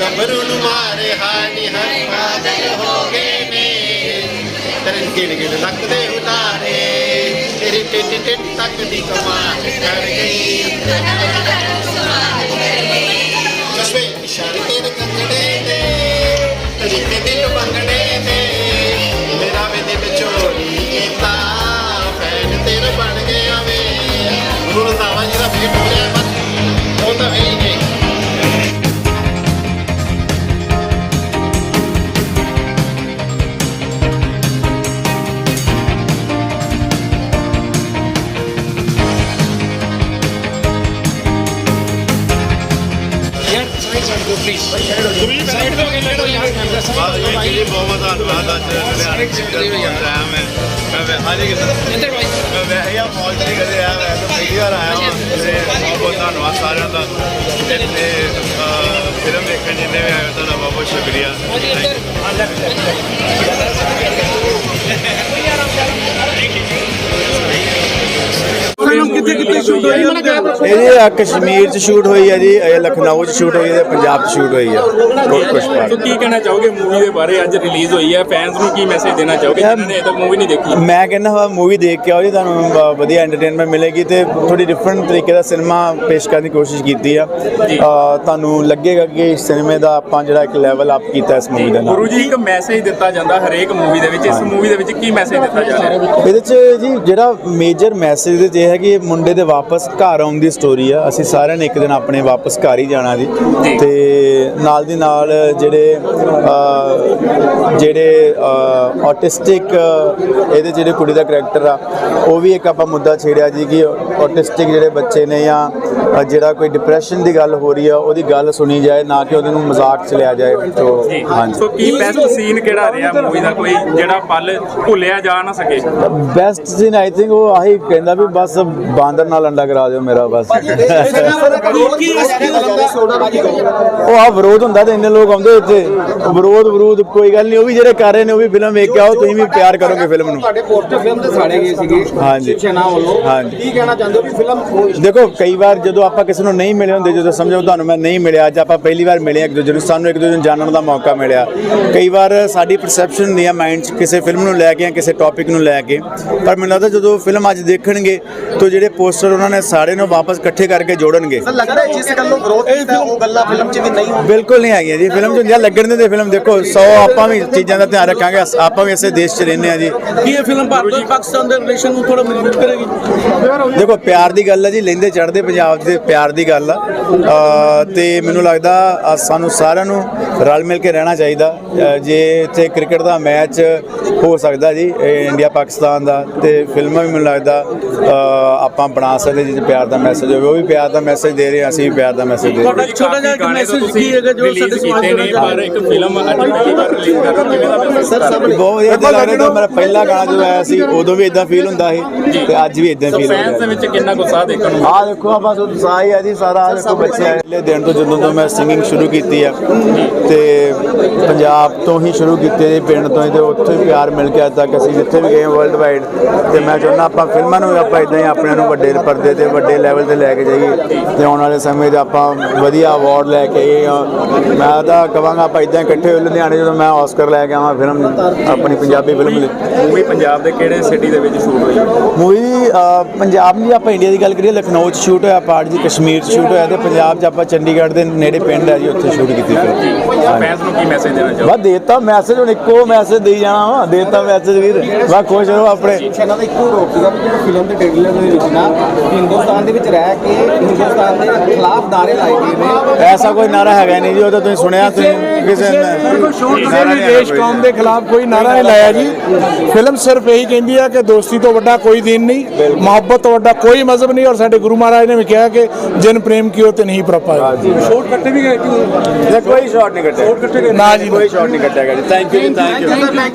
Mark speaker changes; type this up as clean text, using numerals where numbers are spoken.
Speaker 1: ਗੱਭਰੂ ਨੂੰ ਮਾਰੇ ਹਾਨੀ ਹਰ ਪਾਗਲ ਹੋ ਗਏ ਨੇ ਤੇਰੇ ਗਿਣ ਗਿਣ ਲੱਗਦੇ ਉਤਾਰੇ ਤੇਰੀ ਟਿੱਟ ਟਿੱਟ ਤੱਕ ਦੀ ਕਮਾਲ ਕਰ ਗਈ ਚਸ਼ਮੇ ਇਸ਼ਾਰੇ ਤੇਰੇ ਕੰਗੜੇ ਦੇ ਤੇਰੀ ਤੇ ਦਿਲ ਬੰਗੜੇ ਦੇ ਮੇਰਾ ਵੀ ਦਿਲ ਚੋਰੀ ਕੀਤਾ ਫੈਨ ਤੇਰੇ ਬਣ ਗਿਆ ਵੇ ਹੁਣ ਤਾਂ ਜਿਹੜਾ ਫੇਟ ਹੋ ਰਿਹਾ ਬਸ ਉਹ ਤਾਂ ਹੈ ਹੀ ਨਹੀਂ ਬਹੁਤ ਧੰਨਵਾਦ ਅੱਜ ਲੁਧਿਆਣੇ ਮੈਂ ਵੈਸੇ ਆ ਮੌਜ ਨਹੀਂ ਕਦੇ ਆਇਆ ਮੈਂ ਤਾਂ ਪਹਿਲੀ ਵਾਰ ਆਇਆ ਹਾਂ ਤੇ ਬਹੁਤ ਧੰਨਵਾਦ ਸਾਰਿਆਂ ਦਾ ਇੱਥੇ ਫਿਲਮ ਦੇਖਣ ਜਿੰਨੇ ਵੀ ਆਏ ਤੁਹਾਡਾ ਬਹੁਤ ਬਹੁਤ ਸ਼ੁਕਰੀਆ
Speaker 2: ਇਹ ਕਸ਼ਮੀਰ ਚ ਸ਼ੂਟ ਹੋਈ ਹੈ ਜੀ, ਇਹ ਲਖਨਊ ਚ ਸ਼ੂਟ ਹੋਈ ਹੈ, ਪੰਜਾਬ ਚ ਸ਼ੂਟ ਹੋਈ ਹੈ।
Speaker 3: ਸੋ ਕੀ ਕਹਿਣਾ ਚਾਹੋਗੇ ਮੂਵੀ ਦੇ ਬਾਰੇ? ਅੱਜ ਰਿਲੀਜ਼ ਹੋਈ ਹੈ, ਫੈਨਸ ਨੂੰ ਕੀ ਮੈਸੇਜ ਦੇਣਾ ਚਾਹੋਗੇ ਜਿਨ੍ਹਾਂ ਨੇ ਅਜੇ ਤੱਕ ਮੂਵੀ ਨਹੀਂ ਦੇਖੀ?
Speaker 2: ਮੈਂ ਕਹਿੰਦਾ ਹਾਂ ਮੂਵੀ ਦੇਖ ਕੇ ਆਓ ਜੀ, ਤੁਹਾਨੂੰ ਵਧੀਆ ਐਂਟਰਟੇਨਮੈਂਟ ਮਿਲੇਗੀ ਤੇ ਥੋੜੀ ਡਿਫਰੈਂਟ ਤਰੀਕੇ ਦਾ ਸਿਨੇਮਾ ਪੇਸ਼ ਕਰਨ ਦੀ ਕੋਸ਼ਿਸ਼ ਕੀਤੀ ਆ। ਤੁਹਾਨੂੰ ਲੱਗੇਗਾ ਕਿ ਸਿਨੇਮੇ ਦਾ ਆਪਾਂ ਜਿਹੜਾ ਇੱਕ ਲੈਵਲ ਅਪ ਕੀਤਾ ਇਸ ਮੂਵੀ ਦੇ ਨਾਲ।
Speaker 3: ਗੁਰੂ ਜੀ ਇੱਕ ਮੈਸੇਜ ਦਿੱਤਾ ਜਾਂਦਾ ਹਰੇਕ ਮੂਵੀ ਦੇ ਵਿੱਚ, ਇਸ ਮੂਵੀ ਦੇ ਵਿੱਚ ਕੀ ਮੈਸੇਜ ਦਿੱਤਾ ਜਾ ਰਿਹਾ?
Speaker 2: ਇਹਦੇ ਚ ਜੀ ਜਿਹੜਾ ਮੇਜਰ ਮੈਸੇਜ ਦੇ ਇਹ ਹੈ ਕਿ ਮੁੰਡੇ ਦੇ ਵਾਪਸ ਘਰ ਆਉਣ ਦੀ ਸਟੋਰੀ ਆ। ਅਸੀਂ ਸਾਰਿਆਂ ਨੇ ਇੱਕ ਦਿਨ ਆਪਣੇ ਵਾਪਸ ਘਰ ਹੀ ਜਾਣਾ ਜੀ ਤੇ ਨਾਲ ਦੀ ਨਾਲ ਜਿਹੜੇ ਆਟਿਸਟਿਕ ਇਹਦੇ ਜਿਹੜੇ ਕੁੜੀ ਦਾ ਕਰੈਕਟਰ ਆ ਉਹ ਵੀ ਇੱਕ ਆਪਾਂ ਮੁੱਦਾ ਛੇੜਿਆ ਜੀ ਕਿ ਆਟਿਸਟਿਕ ਜਿਹੜੇ ਬੱਚੇ ਨੇ ਜਾਂ ਜਿਹੜਾ ਕੋਈ ਡਿਪਰੈਸ਼ਨ ਦੀ ਗੱਲ ਹੋ ਰਹੀ ਆ ਉਹਦੀ ਗੱਲ ਸੁਣੀ ਜਾਏ, ਨਾ ਕਿ ਉਹਦੇ ਨੂੰ ਮਜ਼ਾਕ ਚ ਲਿਆ ਜਾਏ। ਹਾਂਜੀ,
Speaker 3: ਸੋ ਕੀ ਬੈਸਟ ਸੀਨ ਕਿਹੜਾ ਰਿਹਾ ਮੂਵੀ ਦਾ, ਕੋਈ ਜਿਹੜਾ ਪਲ ਭੁੱਲਿਆ ਜਾ ਨਾ ਸਕੇ?
Speaker 2: ਬੈਸਟ ਸੀਨ ਆਈ ਥਿੰਕ ਉਹ ਆਹੀ ਕਹਿੰਦਾ ਵੀ ਬਸ ਬਾਂਦਰ ਨਾਲ ਅੰਡਾ ਕਰਾ ਦਿਓ ਮੇਰਾ ਬਸ। ਉਹ ਆ ਵਿਰੋਧ ਹੁੰਦਾ ਤੇ ਇੰਨੇ ਲੋਕ ਆਉਂਦੇ ਇੱਥੇ, ਵਿਰੋਧ ਕੋਈ ਗੱਲ ਨਹੀਂ, ਉਹ ਵੀ ਜਿਹੜੇ ਕਰ ਰਹੇ ਨੇ ਉਹ ਵੀ ਫਿਲਮ ਵੇਖ ਕੇ ਆਓ, ਤੁਸੀਂ ਵੀ ਪਿਆਰ ਕਰੋਗੇ ਫਿਲਮ ਨੂੰ।
Speaker 4: ਤੁਹਾਡੇ ਪੋਸਟਰ ਫਿਲਮ ਤੇ ਸਾੜੇ ਗਏ ਸੀਗੇ ਸ਼ਿਵਸੈਨਾ ਵੱਲੋਂ, ਕੀ ਕਹਿਣਾ ਚਾਹੁੰਦੇ ਹੋ ਵੀ ਫਿਲਮ?
Speaker 2: ਦੇਖੋ ਕਈ ਵਾਰ ਜਦੋਂ ਆਪਾਂ ਕਿਸੇ ਨੂੰ ਨਹੀਂ ਮਿਲੇ ਹੁੰਦੇ, ਜਦੋਂ ਸਮਝੋ ਤੁਹਾਨੂੰ ਮੈਂ ਨਹੀਂ ਮਿਲਿਆ, ਅੱਜ ਆਪਾਂ ਪਹਿਲੀ ਵਾਰ ਮਿਲੇ ਇੱਕ ਦੂਜੇ ਨੂੰ, ਸਾਨੂੰ ਇੱਕ ਦੂਜੇ ਨੂੰ ਜਾਣਨ ਦਾ ਮੌਕਾ ਮਿਲਿਆ। ਕਈ ਵਾਰ ਸਾਡੀ ਪਰਸੈਪਸ਼ਨ ਹੁੰਦੀ ਆ ਮਾਈਂਡ 'ਚ ਕਿਸੇ ਫਿਲਮ ਨੂੰ ਲੈ ਕੇ ਜਾਂ ਕਿਸੇ ਟੌਪਿਕ ਨੂੰ ਲੈ ਕੇ, ਪਰ ਮੈਨੂੰ ਲੱਗਦਾ ਜਦੋਂ ਫਿਲਮ ਅੱਜ ਦੇਖਣਗੇ ਤਾਂ ਜਿਹੜੇ ਪੋਸਟਰ ਉਹਨਾਂ ਨੇ ਸਾਰੇ ਨੂੰ ਵਾਪਸ ਇਕੱਠੇ ਕਰਕੇ ਜੋੜਨਗੇ।
Speaker 4: ਲੱਗਦਾ ਹੈ ਜਿਸ ਗੱਲੋਂ ਵਿਰੋਧ ਕੀਤਾ ਉਹ ਗੱਲਾਂ ਫਿਲਮ 'ਚ ਵੀ ਨਹੀਂ ਹੋਣ?
Speaker 2: ਬਿਲਕੁਲ ਨਹੀਂ ਆਈਆਂ ਜੀ ਫਿਲਮ 'ਚ ਹੁੰਦੀਆਂ, ਲੱਗਣ ਦੇ ਫਿਲਮ ਦੇਖੋ 100 ਆਪਾਂ ਵੀ ਚੀਜ਼ਾਂ ਦਾ ਧਿਆਨ ਰੱਖਾਂਗੇ, ਆਪਾਂ ਵੀ ਇਸੇ ਦੇਸ਼ 'ਚ ਰਹਿੰਦੇ ਹਾਂ ਜੀ।
Speaker 4: ਕੀ ਇਹ ਫਿਲਮ ਭਾਰਤ ਪਾਕਿਸਤਾਨ ਦੇ ਰਿਲੇਸ਼ਨ ਨੂੰ ਥੋੜਾ ਮਜ਼ਬੂਤ ਕਰੇਗੀ?
Speaker 2: ਦੇਖੋ ਪਿਆਰ ਦੀ ਗੱਲ ਹੈ ਜੀ, ਲੈਂਦੇ ਚੜ੍ਹਦੇ ਪੰਜਾਬ ਦੇ ਪਿਆਰ ਦੀ ਗੱਲ ਆ ਤੇ ਮੈਨੂੰ ਲੱਗਦਾ ਸਾਨੂੰ ਸਾਰਿਆਂ ਨੂੰ ਰਲ ਮਿਲ ਕੇ ਰਹਿਣਾ ਚਾਹੀਦਾ। ਜੇ ਇੱਥੇ ਕ੍ਰਿਕਟ ਦਾ ਮੈਚ ਹੋ ਸਕਦਾ ਜੀ ਇੰਡੀਆ ਪਾਕਿਸਤਾਨ ਦਾ, ਤੇ ਫਿਲਮਾਂ ਵੀ ਮੈਨੂੰ ਲੱਗਦਾ ਆਪਾਂ ਬਣਾ ਸਕਦੇ ਜਿਸ ਪਿਆਰ ਦਾ ਮੈਸੇਜ ਹੋਵੇ, ਉਹ ਵੀ ਪਿਆਰ ਦਾ ਮੈਸੇਜ ਦੇ ਰਹੇ, ਅਸੀਂ ਵੀ ਪਿਆਰ ਦਾ ਮੈਸੇਜ ਦੇ ਰਹੇ।
Speaker 4: ਛੋਟਾ ਜਿਹਾ ਮੈਸੇਜ ਕੀ ਹੈਗਾ ਜੋ ਸਾਡੇ ਸਮਾਜ
Speaker 3: ਨੇ, ਪਰ ਇੱਕ ਫਿਲਮ ਅੱਜ ਪਹਿਲੀ ਵਾਰ ਰਿਲੀਜ਼ ਕਰ ਰਹੇ ਕਿਵੇਂ ਦਾ ਮੈਸੇਜ?
Speaker 2: ਬਹੁਤ ਵਧੀਆ ਲੱਗ ਰਿਹਾ। ਮੇਰਾ ਪਹਿਲਾ ਗਾਣਾ ਜਦੋਂ ਆਇਆ ਸੀ ਉਦੋਂ ਵੀ ਇਦਾਂ ਫੀਲ ਹੁੰਦਾ ਸੀ ਤੇ ਅੱਜ ਵੀ ਇਦਾਂ ਫੀਲ
Speaker 3: ਫੈਨਸ ਦੇ ਵਿੱਚ ਕਿੰਨਾ ਉਤਸ਼ਾਹ ਦੇਖਣ ਨੂੰ?
Speaker 2: ਆਹ ਦੇਖੋ ਆ ਬਸ ਉਤਸ਼ਾਹ ਹੀ ਆ ਜੀ ਸਾਰਾ। ਆਹ ਦੇਖੋ ਬੱਚੇ ਪਹਿਲੇ ਦਿਨ ਤੋਂ ਜਦੋਂ ਤੋਂ ਮੈਂ ਸਿੰਗਿੰਗ ਸ਼ੁਰੂ ਕੀਤੀ ਆ ਤੇ ਪੰਜਾਬ ਤੋਂ ਹੀ ਸ਼ੁਰੂ ਕੀਤੀ ਜੀ, ਪਿੰਡ ਤੋਂ ਹੀ, ਤੇ ਉੱਥੇ ਪਿਆਰ ਮਿਲ ਕੇ ਅੱਜ ਤੱਕ ਅਸੀਂ ਜਿੱਥੇ ਵੀ ਗਏ ਵਰਲਡ ਵਾਈਡ। ਤੇ ਮੈਂ ਚਾਹੁੰਦਾ ਆਪਾਂ ਫਿਲਮਾਂ ਨੂੰ ਆਪਾਂ ਇਦਾਂ ਹੀ ਆਪਣਿਆਂ ਨੂੰ ਵੱਡੇ ਪਰਦੇ ਤੇ ਵੱਡੇ ਲੈਵਲ ਤੇ ਲੈ ਕੇ ਜਾਈਏ ਤੇ ਆਉਣ ਵਾਲੇ ਸਮੇਂ 'ਚ ਆਪਾਂ ਵਧੀਆ ਅਵਾਰਡ ਲੈ ਕੇ ਆਏ। ਮੈਂ ਤਾਂ ਕਹਾਂਗਾ ਆਪਾਂ ਇਦਾਂ ਇਕੱਠੇ ਹੋ ਲੁਧਿਆਣੇ, ਜਦੋਂ ਮੈਂ ਆਸਕਰ ਲੈ ਕੇ ਆਵਾਂ ਫਿਲਮ ਆਪਣੀ ਪੰਜਾਬੀ ਫਿਲਮ ਲਈ।
Speaker 3: ਮੂਵੀ ਪੰਜਾਬ ਦੇ ਕਿਹੜੇ ਸਿਟੀ ਦੇ ਵਿੱਚ ਸ਼ੂਟ ਹੋਈ?
Speaker 2: ਮੂਵੀ ਪੰਜਾਬ ਦੀ ਆਪਾਂ ਇੰਡੀਆ ਦੀ ਗੱਲ ਕਰੀਏ ਲਖਨਊ 'ਚ ਸ਼ੂਟ ਹੋਇਆ, ਪਾਰਟ ਜੀ ਕਸ਼ਮੀਰ 'ਚ ਸ਼ੂਟ ਹੋਇਆ, ਤੇ ਪੰਜਾਬ 'ਚ ਆਪਾਂ ਚੰਡੀਗੜ੍ਹ ਦੇ ਨੇੜੇ ਪਿੰਡ ਹੈ ਜੀ ਉੱਥੇ ਸ਼ੂਟ ਕੀਤੀ ਫਿਲਮ।
Speaker 3: ਫੈਨਸ ਨੂੰ ਕੀ ਮੈਸੇਜ ਦੇਣਾ ਚਾਹੋ?
Speaker 2: ਬਸ ਦੇਤਾ ਮੈਸੇਜ, ਹੁਣ ਇੱਕੋ ਮੈਸੇਜ ਦੇਈ ਜਾਣਾ ਵਾ, ਦੇਤਾ ਮੈਸੇਜ ਵੀਰ, ਬਸ ਖੁਸ਼ ਰਹੋ ਆਪਣੇ।
Speaker 4: ਇਹਨਾਂ ਦਾ ਇੱਕੋ ਰੋਕ ਸੀਗਾ ਕਿ ਫਿਲਮ ਦੇ ਟ੍ਰੇਲਰ ਦੇ ਵਿੱਚ ਨਾ ਹਿੰਦੁਸਤਾਨ ਦੇ ਵਿੱਚ ਰਹਿ ਕੇ ਹਿੰਦੁਸਤਾਨ ਦੇ ਖਿਲਾਫ ਨਾਅਰੇ ਲਾਏ ਗਏ ਨੇ।
Speaker 2: ਐਸਾ ਕੋਈ ਨਾਰਾ ਹੈਗਾ ਨਹੀਂ ਜੀ, ਉਹ ਤਾਂ ਤੁਸੀਂ ਸੁਣਿਆ, ਤੁਸੀਂ ਕਿਸੇ ਨੇ
Speaker 5: ਦੇਸ਼ ਕੌਮ ਦੇ ਖਿਲਾਫ ਕੋਈ ਨਾਰਾ ਨਹੀਂ ਲਾਇਆ ਜੀ। ਫਿਲਮ ਸਿਰਫ ਇਹੀ ਕਹਿੰਦੀ ਹੈ ਕਿ ਦੋਸਤੀ ਤੋਂ ਵੱਡਾ ਕੋਈ ਦੀਨ ਨਹੀਂ, ਮੁਹੱਬਤ ਤੋਂ ਵੱਡਾ ਕੋਈ ਮਜ਼ਹਬ ਨਹੀਂ, ਔਰ ਸਾਡੇ ਗੁਰੂ ਮਹਾਰਾਜ ਨੇ ਵੀ ਕਿਹਾ ਕਿ ਜਿਨ ਪ੍ਰੇਮ ਕੀਓ ਤੇ ਨਹੀਂ ਪ੍ਰਪਾਇਆ।
Speaker 4: ਸ਼ੋਟ ਕੱਟੇ ਵੀ ਗਏ
Speaker 2: ਕੋਈ ਸ਼ਾਟ ਨਹੀਂ ਕੱਟਿਆ ਨਾ ਜੀ, ਕੋਈ ਸ਼ਾਟ ਨਹੀਂ ਕੱਟਿਆ ਗਿਆ ਜੀ। ਥੈਂਕ ਯੂ ਜੀ, ਥੈਂਕ ਯੂ।